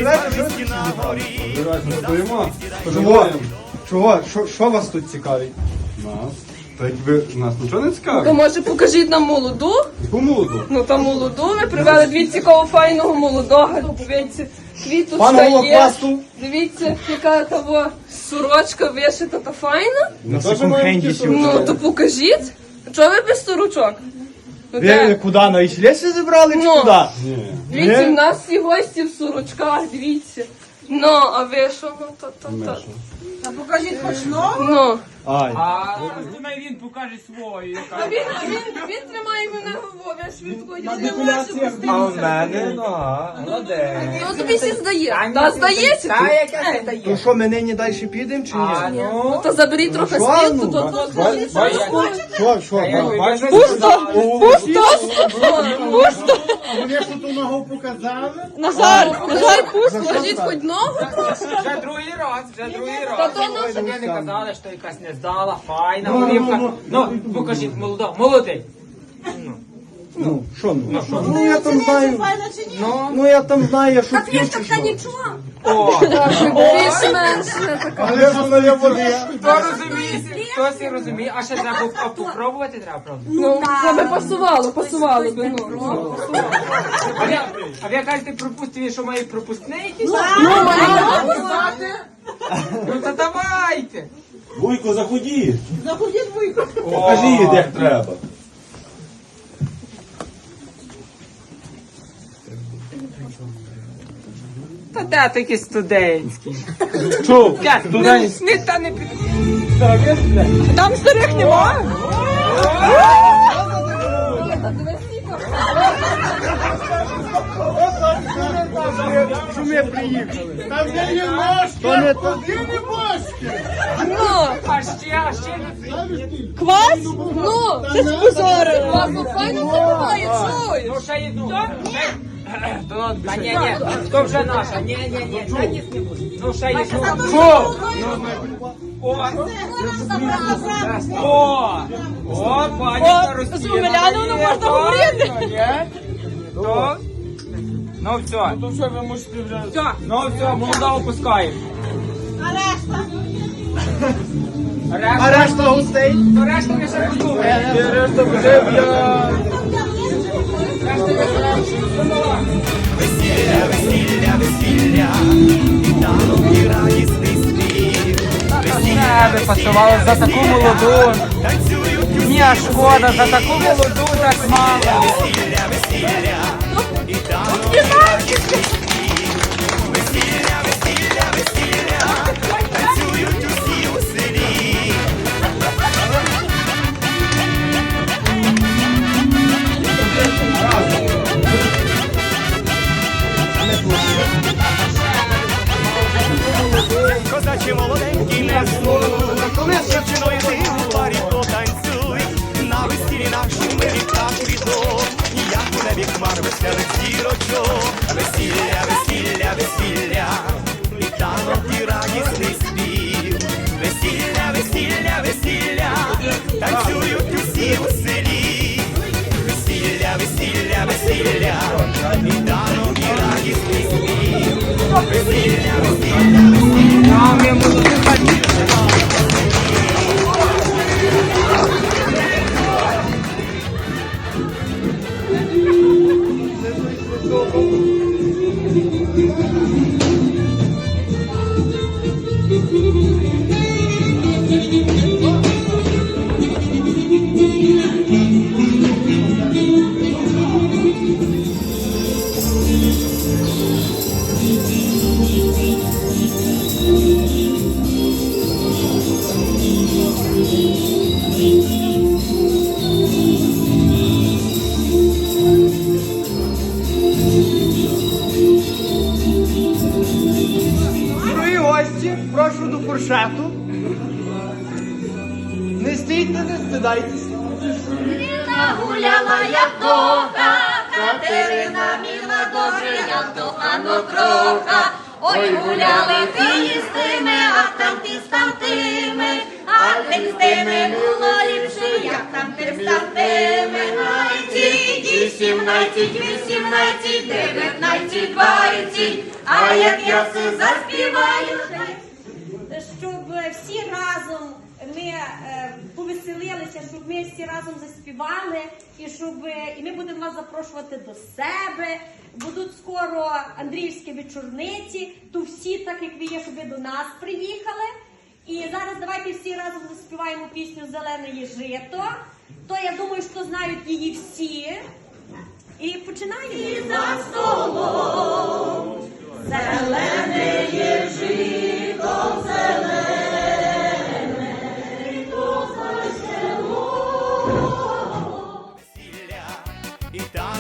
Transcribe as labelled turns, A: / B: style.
A: живете, що ви тут зібрали? Чого? Що вас тут цікавить?
B: Нас? Так ви нас нічого не
C: То
B: цікавить?
C: може покажіть нам молоду?
B: Яку молоду?
C: Ну та молоду ви привели, дивіться, якого файного молодого. Дивіться, квіточка
A: Пан
C: є.
A: Голоквасту.
C: Дивіться, яка того сорочка вишита та файна.
A: На
B: теж
A: секунд-хенді
B: маємо ті
A: сьогодні.
C: Ну, то покажіть. Чого ви без сорочок? Ну,
A: Ви
C: де?
A: куди, на Ічлесі зібрали чи
C: Ну.
A: куди?
B: Ні.
C: Дивіться,
A: Ні?
C: в нас всі гості в сорочках, дивіться. Ну, а ви що? Ну, то.
D: Та покажіть хоч нову.
C: Ну.
A: Ай.
E: Думаю, він покаже свою.
C: А він тримає мене говорить, швидко, я не можу пуститися.
E: А в мене, молодець.
C: Ну, тобі всі здає. Та здається?
E: Та яке це дає?
A: То що, ми нині далі підемо чи ні?
C: Ну, то заберіть трохи
A: що,
C: слід,
A: ну,
C: то
A: Що?
E: Бачите?
C: Пусто! Пусто!
A: Вони що ту ногу показали?
C: Назар, пусто! Скажіть хоч ногу трошки.
E: Вже другий
C: Та
E: раз.
C: то наша
E: Щоб ви не казали, що якась не здала, файна, голівка. Ну, покажіть, молодий.
A: Ну, що ну? Ну, я там знаю.
D: Файна чи ні?
A: Ну, я там знаю, що
C: Та квіточка нічого.
E: О,
C: Більш-менш не така.
A: Але ж вона є води.
E: хто розуміє, хтось і розуміє, а ще треба попробувати, треба, правда?
C: Ну, це би пасувало би, ну.
E: А ви кажете, пропустили, що має пропускний якийсь?
C: Ну, мені
E: Ну, то давайте.
F: Вуйко, заходіть.
D: Заходіть вуйко.
F: Покажіть, як треба.
E: Та де такі студентські?
A: Чув?
E: Не та не під...
C: Там старих немає.
A: Що ми приїхали? Там де є ножки, то не то.
C: Ну,
E: А ще
C: квас? Ну, це ж позори. Квас, ну, файно тримає, чуєш?
E: Ну, ще йду. Та ні, то вже наша. Ні, та ні, не буде. Ну, ще є. О, пані Старостіна.
C: з Омеляновим можна говорити.
E: То? Ну, все. Ну, все, ви можете вже. Ну, все, молода опускаємо.
D: А решта?
A: А решта гостей?
E: То решта ми ще подумаємо.
A: Решта вже я...
E: Не би пасувало за таку молоду. Ні, а шкода, за таку молоду так мало.
G: Козачі молоденькі несу, дівчиною ти у парі потанцюй, на весіллі нашому ми так відомо, як у небі хмар веселих зірочок. Весілля, весілля, весілля, і танок і радісний спів. Весілля, весілля, весілля, танцюють усі у селі. Весілля, весілля, весілля, і танок і радісний спів. Весілля, весілля, весілля.
E: Ми молоді хаті.
A: Дорогі гості, прошу до фуршету. Не стійте, не стидайтеся.
H: Гуляла я вдоха, Катерина міла добре, я вдохано кроха. Ой, гуляли ти з тими, а там ти з тамтими, а А день з тими було ліпше, як там тим став тими. 17, 18, 19, 20, а як я все заспіваю.
I: Щоб всі разом ми повеселилися, щоб ми всі разом заспівали, і ми будемо вас запрошувати до себе. Будуть скоро Андріївські вечорниці, то всі, так як ви є, щоб ви до нас приїхали. І зараз давайте всі разом заспіваємо пісню «Зелене є жито». То я думаю, що знають її всі. І починаємо.
H: За столом зелене є жито, зелене, то за село.
G: І та